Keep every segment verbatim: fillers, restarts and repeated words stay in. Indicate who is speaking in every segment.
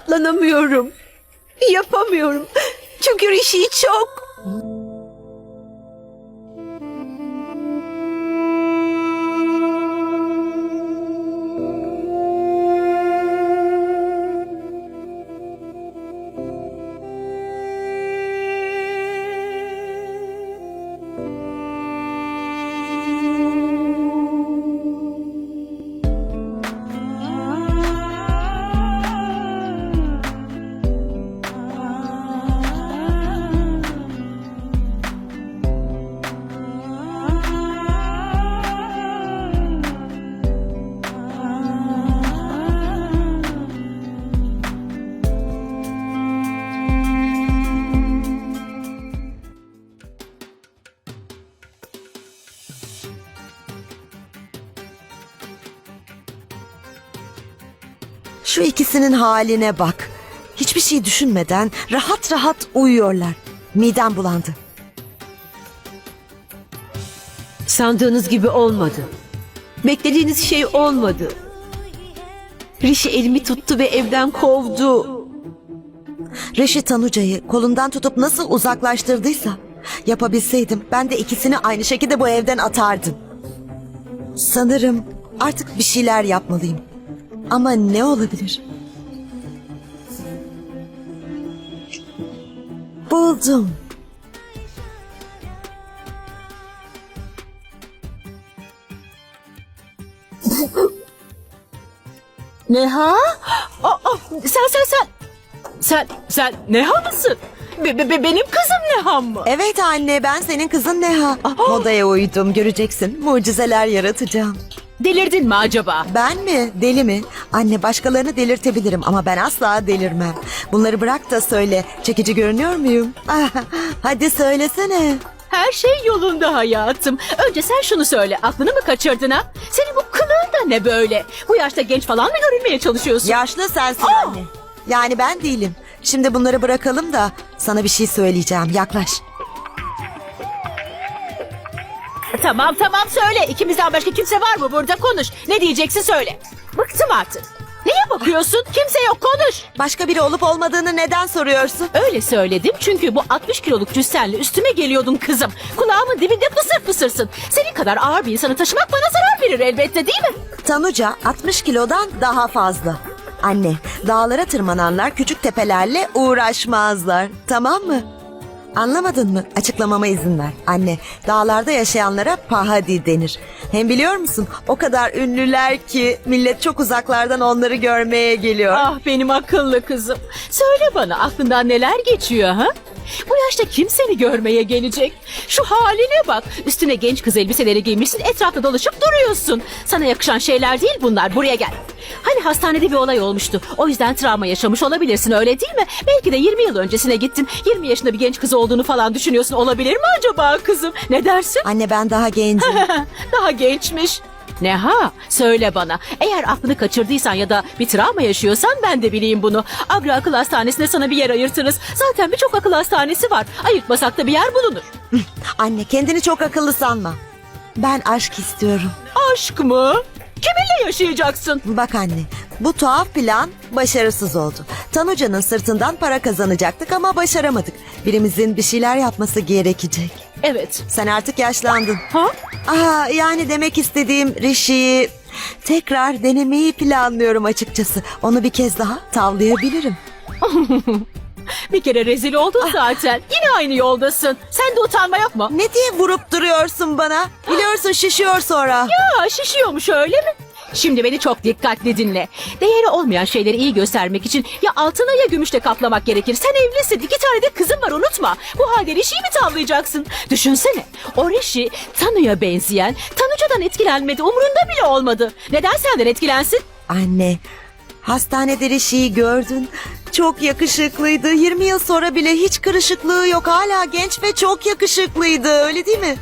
Speaker 1: katlanamıyorum. Yapamıyorum. Çünkü Rishi'yi çok...
Speaker 2: Şu ikisinin haline bak. Hiçbir şey düşünmeden rahat rahat uyuyorlar. Midem bulandı.
Speaker 1: Sandığınız gibi olmadı. Beklediğiniz şey olmadı. Rishi elimi tuttu ve evden kovdu.
Speaker 2: Rishi Tanuca'yı kolundan tutup nasıl uzaklaştırdıysa, yapabilseydim ben de ikisini aynı şekilde bu evden atardım. Sanırım artık bir şeyler yapmalıyım. Ama ne olabilir? Buldum.
Speaker 1: Neha? Aa, aa, sen sen sen. Sen sen Neha mısın? Be, be- be- benim kızım Neha mı?
Speaker 2: Evet anne, ben senin kızın Neha.
Speaker 1: Aha.
Speaker 2: Modaya uydum, göreceksin. Mucizeler yaratacağım.
Speaker 1: Delirdin mi acaba?
Speaker 2: Ben mi? Deli mi? Anne, başkalarını delirtebilirim ama ben asla delirmem. Bunları bırak da söyle. Çekici görünüyor muyum? Ah, hadi söylesene.
Speaker 1: Her şey yolunda hayatım. Önce sen şunu söyle. Aklını mı kaçırdın ha? Senin bu kılığın da ne böyle? Bu yaşta genç falan mı görünmeye çalışıyorsun?
Speaker 2: Yaşlı sensin
Speaker 1: Aa!
Speaker 2: anne. Yani ben değilim. Şimdi bunları bırakalım da sana bir şey söyleyeceğim. Yaklaş.
Speaker 1: Tamam tamam söyle. İkimizden başka kimse var mı burada? Konuş. Ne diyeceksin söyle. Bıktım artık. Neye bakıyorsun? Kimse yok, konuş.
Speaker 2: Başka biri olup olmadığını neden soruyorsun?
Speaker 1: Öyle söyledim çünkü bu altmış kiloluk cüssenle üstüme geliyordun kızım. Kulağımın dibinde fısır fısırsın. Senin kadar ağır bir insanı taşımak bana zarar verir elbette, değil mi?
Speaker 2: Tanuca altmış kilodan daha fazla. Anne, dağlara tırmananlar küçük tepelerle uğraşmazlar. Tamam mı? Anlamadın mı? Açıklamama izin ver. Anne, dağlarda yaşayanlara pahadi denir. Hem biliyor musun? O kadar ünlüler ki millet çok uzaklardan onları görmeye geliyor.
Speaker 1: Ah benim akıllı kızım. Söyle bana, aklından neler geçiyor ha? Bu yaşta kim seni görmeye gelecek? Şu haline bak. Üstüne genç kız elbiseleri giymişsin, etrafta dolaşıp duruyorsun. Sana yakışan şeyler değil bunlar. Buraya gel. Hani hastanede bir olay olmuştu. O yüzden travma yaşamış olabilirsin, öyle değil mi? Belki de yirmi yıl öncesine gittin. yirmi yaşında bir genç kız olduğunu falan düşünüyorsun. Olabilir mi acaba kızım? Ne dersin?
Speaker 2: Anne, ben daha gencim.
Speaker 1: Daha gençmiş. Neha, söyle bana. Eğer aklını kaçırdıysan ya da bir travma yaşıyorsan ben de bileyim bunu. Agra Akıl Hastanesi'ne sana bir yer ayırtırız. Zaten birçok akıl hastanesi var. Ayırtmasak da bir yer bulunur.
Speaker 2: Anne, kendini çok akıllı sanma. Ben aşk istiyorum.
Speaker 1: Aşk mı? Kiminle yaşayacaksın?
Speaker 2: Bak anne, bu tuhaf plan başarısız oldu. Tanuca'nın sırtından para kazanacaktık ama başaramadık. Birimizin bir şeyler yapması gerekecek.
Speaker 1: Evet.
Speaker 2: Sen artık yaşlandın.
Speaker 1: Ha?
Speaker 2: Aa, yani demek istediğim Rishi'yi tekrar denemeyi planlıyorum açıkçası. Onu bir kez daha tavlayabilirim.
Speaker 1: Bir kere rezil oldun zaten. Yine aynı yoldasın. Sende utanma yok mu?
Speaker 2: Ne diye vurup duruyorsun bana? Biliyorsun şişiyor sonra.
Speaker 1: Ya şişiyormuş öyle mi? Şimdi beni çok dikkatli dinle. Değeri olmayan şeyleri iyi göstermek için ya altına ya gümüşle kaplamak gerekir. Sen evlisin, iki tane de kızın var, unutma. Bu halde Rishi'yi mi tavlayacaksın? Düşünsene, o Rishi Tanu'ya benzeyen, Tanuca'dan etkilenmedi, umurunda bile olmadı. Neden senden etkilensin?
Speaker 2: Anne, hastanede Rishi'yi gördün. Çok yakışıklıydı. yirmi yıl sonra bile hiç kırışıklığı yok. Hala genç ve çok yakışıklıydı. Öyle değil mi?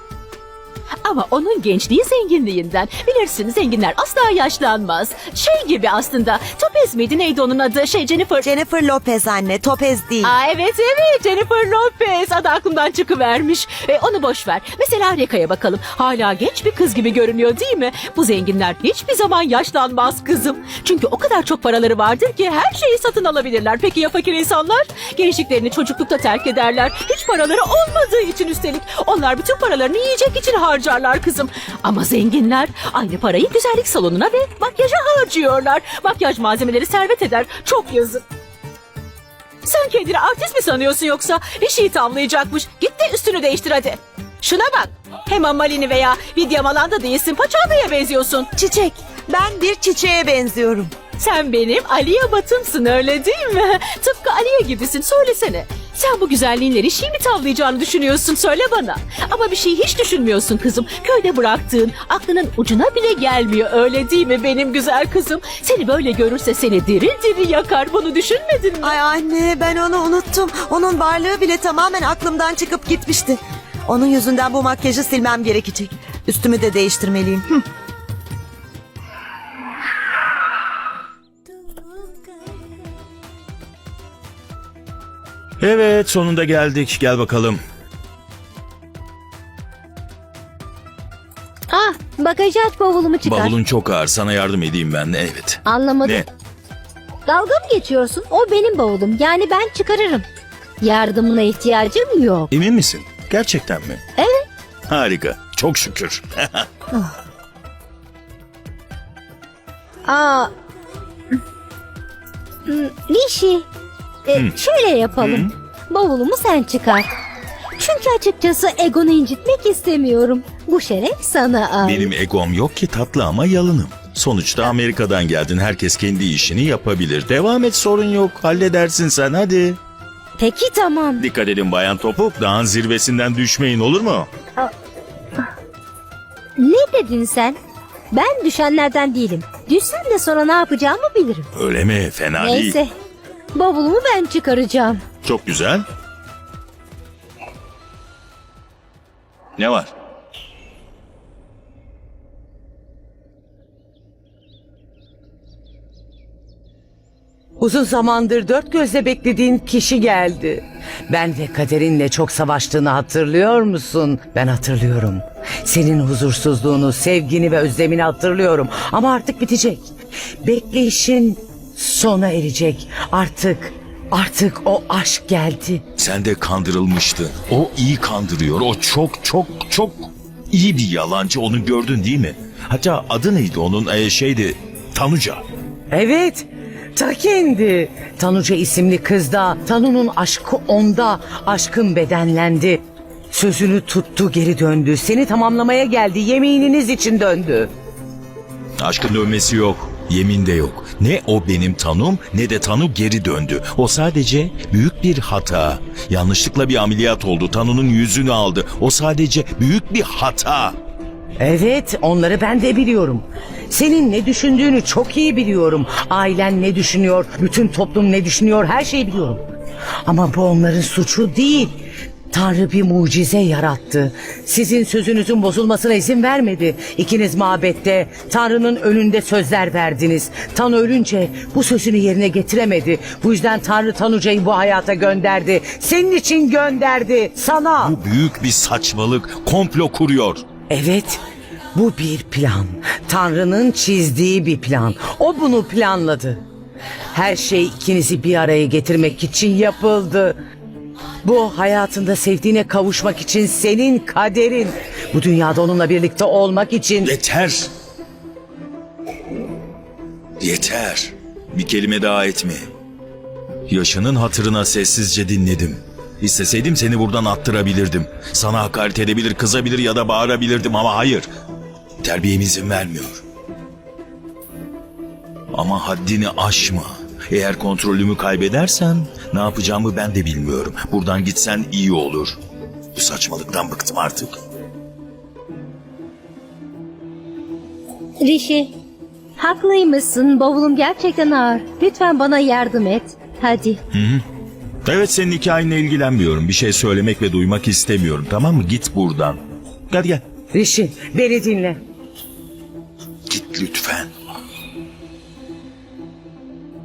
Speaker 1: Ama onun gençliği zenginliğinden. Bilirsin, zenginler asla yaşlanmaz. Şey gibi aslında, Topi Lopez miydi? Neydi onun adı? Şey Jennifer.
Speaker 2: Jennifer Lopez anne, Topez değil.
Speaker 1: Aa, evet evet Jennifer Lopez. Adı aklımdan çıkıvermiş. E, onu boş ver. Mesela Reka'ya bakalım. Hala genç bir kız gibi görünüyor değil mi? Bu zenginler hiçbir zaman yaşlanmaz kızım. Çünkü o kadar çok paraları vardır ki her şeyi satın alabilirler. Peki ya fakir insanlar? Gençliklerini çocuklukta terk ederler. Hiç paraları olmadığı için üstelik. Onlar bütün paralarını yiyecek için harcarlar kızım. Ama zenginler aynı parayı güzellik salonuna ve makyaja harcıyorlar. Makyaj malzemeleri servet eder. Çok yazık. Sen kendini artist mi sanıyorsun yoksa? Bir şey tavlayacakmış. Git de üstünü değiştir hadi. Şuna bak. Hem Amalini veya Vidya Malanda değilsin. Paçavda'ya benziyorsun.
Speaker 2: Çiçek, ben bir çiçeğe benziyorum.
Speaker 1: Sen benim Aliye Batım'sın öyle değil mi? Tıpkı Aliye gibisin. Söylesene. Sen bu güzelliğinleri şey mi tavlayacağını düşünüyorsun? Söyle bana. Ama bir şey hiç düşünmüyorsun kızım. Köyde bıraktığın aklının ucuna bile gelmiyor. Öyle değil mi benim güzel kızım? Seni böyle görürse seni diri diri yakar. Bunu düşünmedin mi?
Speaker 2: Ay anne, ben onu unuttum. Onun varlığı bile tamamen aklımdan çıkıp gitmişti. Onun yüzünden bu makyajı silmem gerekecek. Üstümü de değiştirmeliyim. Hı.
Speaker 3: Evet, sonunda geldik. Gel bakalım.
Speaker 4: Ah, bagajı aç, bavulumu çıkar.
Speaker 3: Bavulun çok ağır. Sana yardım edeyim ben. Evet.
Speaker 4: Anlamadım.
Speaker 3: Ne?
Speaker 4: Dalga mı geçiyorsun? O benim bavulum. Yani ben çıkarırım. Yardımına ihtiyacım yok.
Speaker 3: Emin misin? Gerçekten mi?
Speaker 4: Evet.
Speaker 3: Harika. Çok şükür.
Speaker 4: Aa. Hmm, Rishi. E, şöyle yapalım. Bavulumu sen çıkar. Çünkü açıkçası egonu incitmek istemiyorum. Bu şeref sana ait.
Speaker 3: Benim egom yok ki tatlı ama yalınım. Sonuçta Amerika'dan geldin. Herkes kendi işini yapabilir. Devam et, sorun yok. Halledersin sen, hadi.
Speaker 4: Peki tamam.
Speaker 3: Dikkat edin Bayan Topuk. Dağın zirvesinden düşmeyin, olur mu?
Speaker 4: Ne dedin sen? Ben düşenlerden değilim. Düşsem de sonra ne yapacağımı bilirim.
Speaker 3: Öyle mi? Fena değil.
Speaker 4: Neyse. Bavulumu ben çıkaracağım.
Speaker 3: Çok güzel. Ne var?
Speaker 5: Uzun zamandır dört gözle beklediğin kişi geldi. Ben ve kaderinle çok savaştığını hatırlıyor musun? Ben hatırlıyorum. Senin huzursuzluğunu, sevgini ve özlemini hatırlıyorum. Ama artık bitecek. Bekleyişin sona erecek. Artık, artık o aşk geldi.
Speaker 3: Sen de kandırılmıştın. O iyi kandırıyor. O çok çok çok iyi bir yalancı. Onu gördün değil mi? Hatta adı neydi onun? Ee, şeydi Tanuca.
Speaker 5: Evet, ta kendi. Tanuca isimli kızda, Tanu'nun aşkı onda, aşkın bedenlendi. Sözünü tuttu, geri döndü. Seni tamamlamaya geldi, yemininiz için döndü.
Speaker 3: Aşkın dönmesi yok. Yemin de yok. Ne o benim Tanum ne de Tanu geri döndü. O sadece büyük bir hata. Yanlışlıkla bir ameliyat oldu. Tanu'nun yüzünü aldı. O sadece büyük bir hata.
Speaker 5: Evet, onları ben de biliyorum. Senin ne düşündüğünü çok iyi biliyorum. Ailen ne düşünüyor, bütün toplum ne düşünüyor, her şeyi biliyorum. Ama bu onların suçu değil. Tanrı bir mucize yarattı. Sizin sözünüzün bozulmasına izin vermedi. İkiniz mabette Tanrı'nın önünde sözler verdiniz. Tanrı ölünce bu sözünü yerine getiremedi. Bu yüzden Tanrı Tanuca'yı bu hayata gönderdi. Senin için gönderdi, sana.
Speaker 3: Bu büyük bir saçmalık. Komplo kuruyor.
Speaker 5: Evet, bu bir plan. Tanrı'nın çizdiği bir plan. O bunu planladı. Her şey ikinizi bir araya getirmek için yapıldı. Bu hayatında sevdiğine kavuşmak için senin kaderin. Bu dünyada onunla birlikte olmak için.
Speaker 3: Yeter. Yeter. Bir kelime daha etme. Yaşının hatırına sessizce dinledim. İsteseydim seni buradan attırabilirdim. Sana hakaret edebilir, kızabilir ya da bağırabilirdim ama hayır. Terbiyem izin vermiyor. Ama haddini aşma. Eğer kontrolümü kaybedersen ne yapacağımı ben de bilmiyorum. Buradan gitsen iyi olur. Bu saçmalıktan bıktım artık.
Speaker 4: Rishi, haklıymışsın. Bavulum gerçekten ağır. Lütfen bana yardım et. Hadi.
Speaker 3: Evet, senin hikayenle ilgilenmiyorum. Bir şey söylemek ve duymak istemiyorum, tamam mı? Git buradan. Hadi gel.
Speaker 5: Rishi, beni dinle.
Speaker 3: Git lütfen.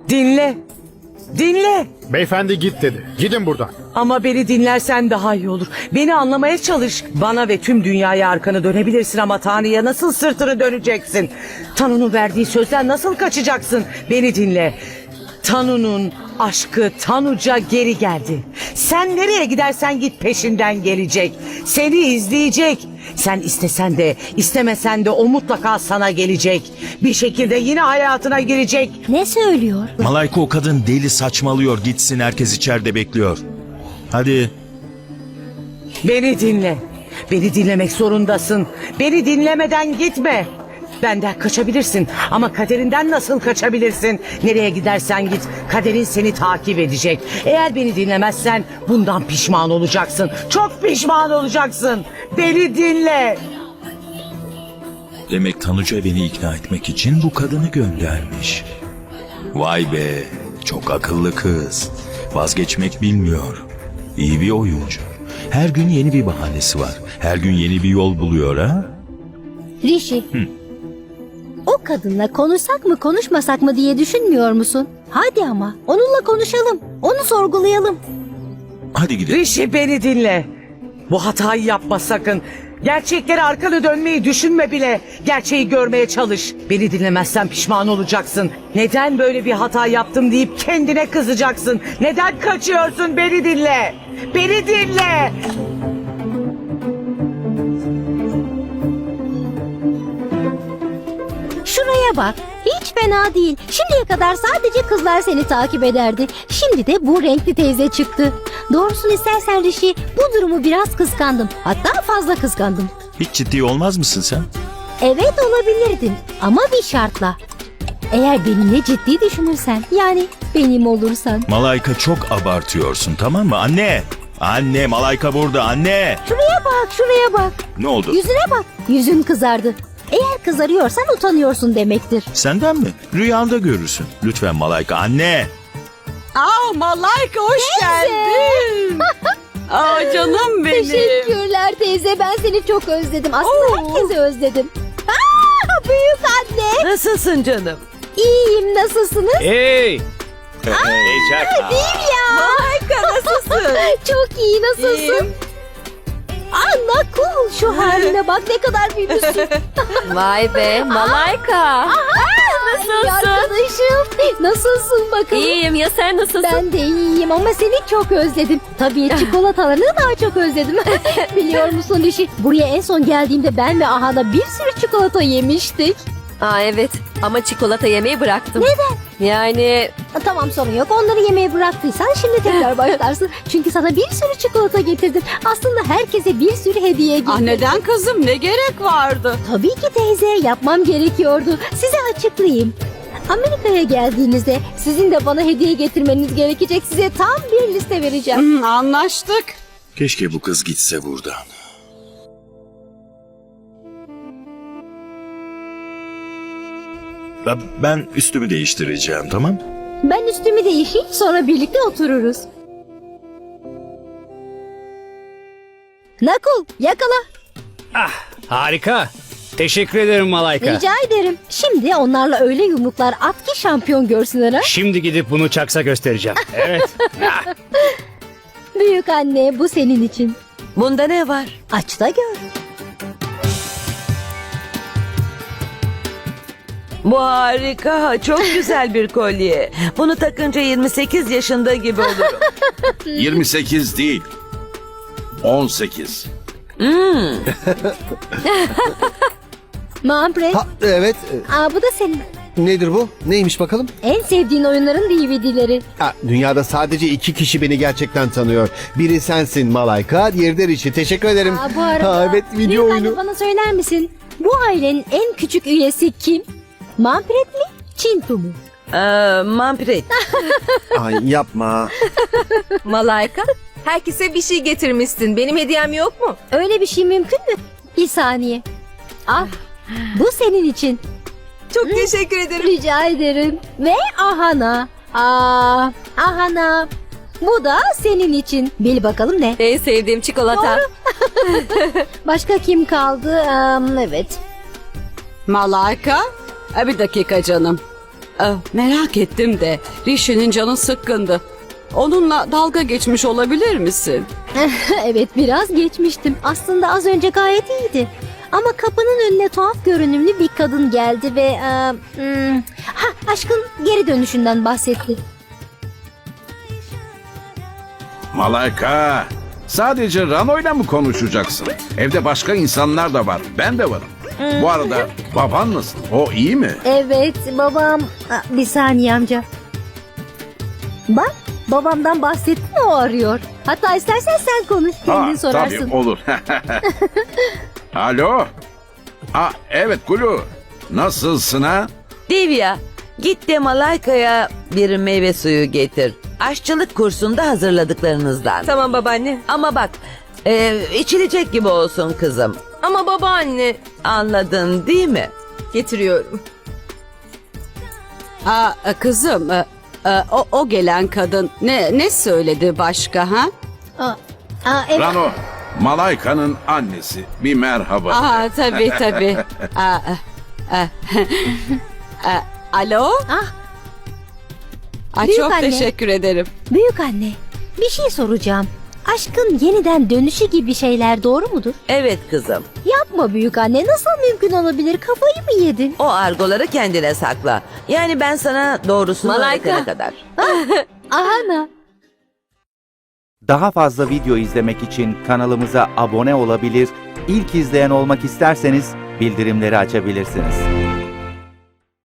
Speaker 5: Dinle. Dinle.
Speaker 6: Beyefendi git dedi. Gidin buradan.
Speaker 5: Ama beni dinlersen daha iyi olur. Beni anlamaya çalış. Bana ve tüm dünyaya arkanı dönebilirsin ama Tanrı'ya nasıl sırtını döneceksin? Tanrı'nın verdiği sözden nasıl kaçacaksın? Beni dinle. Tanu'nun aşkı Tanuca geri geldi. Sen nereye gidersen git peşinden gelecek. Seni izleyecek. Sen istesen de istemesen de o mutlaka sana gelecek. Bir şekilde yine hayatına girecek.
Speaker 4: Ne söylüyor?
Speaker 3: Malayka o kadın deli, saçmalıyor. Gitsin, herkes içeride bekliyor. Hadi.
Speaker 5: Beni dinle. Beni dinlemek zorundasın. Beni dinlemeden gitme. Benden kaçabilirsin ama kaderinden nasıl kaçabilirsin? Nereye gidersen git, kaderin seni takip edecek. Eğer beni dinlemezsen bundan pişman olacaksın. Çok pişman olacaksın. Beni dinle.
Speaker 3: Demek Tanuca beni ikna etmek için bu kadını göndermiş. Vay be, çok akıllı kız. Vazgeçmek bilmiyor. İyi bir oyuncu. Her gün yeni bir bahanesi var. Her gün yeni bir yol buluyor ha?
Speaker 4: Rishi. O kadınla konuşsak mı konuşmasak mı diye düşünmüyor musun? Hadi ama onunla konuşalım. Onu sorgulayalım.
Speaker 3: Hadi gidelim.
Speaker 5: Rishi beni dinle. Bu hatayı yapma sakın. Gerçeklere arkanı dönmeyi düşünme bile. Gerçeği görmeye çalış. Beni dinlemezsen pişman olacaksın. Neden böyle bir hata yaptım deyip kendine kızacaksın. Neden kaçıyorsun? Beni dinle. Beni dinle.
Speaker 4: Şuraya bak. Hiç fena değil. Şimdiye kadar sadece kızlar seni takip ederdi. Şimdi de bu renkli teyze çıktı. Doğrusunu istersen Rishi, bu durumu biraz kıskandım. Hatta fazla kıskandım.
Speaker 3: Hiç ciddi olmaz mısın sen?
Speaker 4: Evet olabilirdin ama bir şartla. Eğer benimle ciddi düşünürsen, yani benim olursan.
Speaker 3: Malayka çok abartıyorsun, tamam mı? Anne! Anne, Malayka burada, anne!
Speaker 4: Şuraya bak, şuraya bak.
Speaker 3: Ne oldu?
Speaker 4: Yüzüne bak. Yüzün kızardı. Eğer kızarıyorsan utanıyorsun demektir.
Speaker 3: Senden mi? Rüyanda görürsün. Lütfen Malayka, anne!
Speaker 1: Aa Malayka hoş geldin. Aa canım benim.
Speaker 4: Teşekkürler teyze. Ben seni çok özledim. Aslında herkesi özledim. Aa, büyük anne.
Speaker 2: Nasılsın canım?
Speaker 4: İyiyim. Nasılsınız?
Speaker 7: Hey!
Speaker 4: Değil ya. Malayka nasılsın? Çok iyi. Nasılsın?
Speaker 1: İyiyim.
Speaker 4: Anla cool. Şu haline bak ne kadar büyümüşsün.
Speaker 8: Vay be Malayka.
Speaker 4: Nasılsın? Arkadaşım. Nasılsın bakalım?
Speaker 8: İyiyim ya sen nasılsın?
Speaker 4: Ben de iyiyim ama seni çok özledim. Tabii çikolatalarını daha çok özledim. Biliyor musun Rishi? Buraya en son geldiğimde ben ve Ahana bir sürü çikolata yemiştik.
Speaker 8: Aa evet ama çikolata yemeyi bıraktım.
Speaker 4: Neden?
Speaker 8: Yani
Speaker 4: Ha, tamam sorun yok. Onları yemeyi bıraktıysan şimdi tekrar başlarsın. Çünkü sana bir sürü çikolata getirdim. Aslında herkese bir sürü hediye getirdim.
Speaker 1: Ah neden kızım, ne gerek vardı?
Speaker 4: Tabii ki teyze, yapmam gerekiyordu. Size açıklayayım. Amerika'ya geldiğinizde sizin de bana hediye getirmeniz gerekecek. Size tam bir liste vereceğim.
Speaker 1: Hı, anlaştık.
Speaker 3: Keşke bu kız gitse buradan. Ben- Ben üstümü değiştireceğim, tamam?
Speaker 4: Ben üstümü değişeyim, sonra birlikte otururuz. Nakul, yakala.
Speaker 7: Harika. Teşekkür ederim Malayka.
Speaker 4: Rica ederim. Şimdi onlarla öyle yumruklar at ki şampiyon görsünler ha.
Speaker 7: Şimdi gidip bunu Çaks'a göstereceğim. Evet.
Speaker 4: Büyük anne, bu senin için.
Speaker 2: Bunda ne var?
Speaker 4: Aç da gör.
Speaker 9: Bu harika, çok güzel bir kolye. Bunu takınca yirmi sekiz yaşında gibi olurum.
Speaker 10: yirmi sekiz değil. on sekiz.
Speaker 4: Manfred,
Speaker 6: Ha, evet.
Speaker 4: aa, bu da senin.
Speaker 6: Nedir bu? Neymiş bakalım?
Speaker 4: En sevdiğin oyunların D V D'leri.
Speaker 6: Ha, dünyada sadece iki kişi beni gerçekten tanıyor. Biri sensin Malayka, diğeri de Rishi. Teşekkür ederim.
Speaker 4: Aa, bu arada,
Speaker 6: Ha, evet, video
Speaker 4: büyük
Speaker 6: oyunu.
Speaker 4: anne bana söyler misin? Bu ailenin en küçük üyesi kim? Manfred mi? Çintu mu?
Speaker 9: Ee, Manfred.
Speaker 6: Ay yapma.
Speaker 8: Malayka herkese bir şey getirmişsin. Benim hediyem yok mu?
Speaker 4: Öyle bir şey mümkün mü? Bir saniye. Al. Bu senin için.
Speaker 8: Çok teşekkür ederim.
Speaker 4: Rica ederim. Ve Ahana. Aa, Ahana. Bu da senin için. Bil bakalım ne?
Speaker 8: En sevdiğim çikolata.
Speaker 4: Başka kim kaldı? Am, evet.
Speaker 1: Malayka, e, bir dakika canım.
Speaker 11: Ah, merak ettim de Rishi'nin canı sıkkındı. Onunla dalga geçmiş olabilir misin?
Speaker 4: Evet, biraz geçmiştim. Aslında az önce gayet iyiydi. Ama kapının önüne tuhaf görünümlü bir kadın geldi ve... e, hmm, ha, aşkın geri dönüşünden bahsetti.
Speaker 10: Malayka, sadece Rano'yla mı konuşacaksın? Evde başka insanlar da var. Ben de varım. Bu arada baban nasıl? O iyi mi?
Speaker 4: Evet, babam... Aa, bir saniye amca. Bak, babamdan bahsettin, o arıyor. Hatta istersen sen konuş, kendin sorarsın.
Speaker 10: Tabii olur. Alo. Aa, evet Gulu. Nasılsın ha?
Speaker 9: Divya, git de Malayka'ya bir meyve suyu getir. Aşçılık kursunda hazırladıklarınızdan.
Speaker 8: Tamam babaanne.
Speaker 9: Ama bak, e, içilecek gibi olsun kızım.
Speaker 8: Ama babaanne.
Speaker 9: Anladın değil mi?
Speaker 8: Getiriyorum.
Speaker 11: Aa, kızım, e, e, o, o gelen kadın ne ne söyledi başka ha?
Speaker 4: Aa, aa, evet.
Speaker 10: Rano, Malayka'nın annesi. Bir merhaba.
Speaker 11: Aa, tabii tabii. Aa, e, e, e, alo?
Speaker 4: Ah,
Speaker 11: Aa,
Speaker 4: Büyük
Speaker 11: çok
Speaker 4: anne.
Speaker 11: teşekkür ederim.
Speaker 4: büyük anne, bir şey soracağım. Aşkın yeniden dönüşü gibi şeyler doğru mudur?
Speaker 9: Evet kızım.
Speaker 4: Yapma büyük anne, nasıl mümkün olabilir? Kafayı mı yedin?
Speaker 9: O argoları kendine sakla. Yani ben sana doğrusunu
Speaker 8: Malayka.
Speaker 9: öğretene kadar.
Speaker 4: Ana.
Speaker 12: Daha fazla video izlemek için kanalımıza abone olabilir, ilk izleyen olmak isterseniz bildirimleri açabilirsiniz.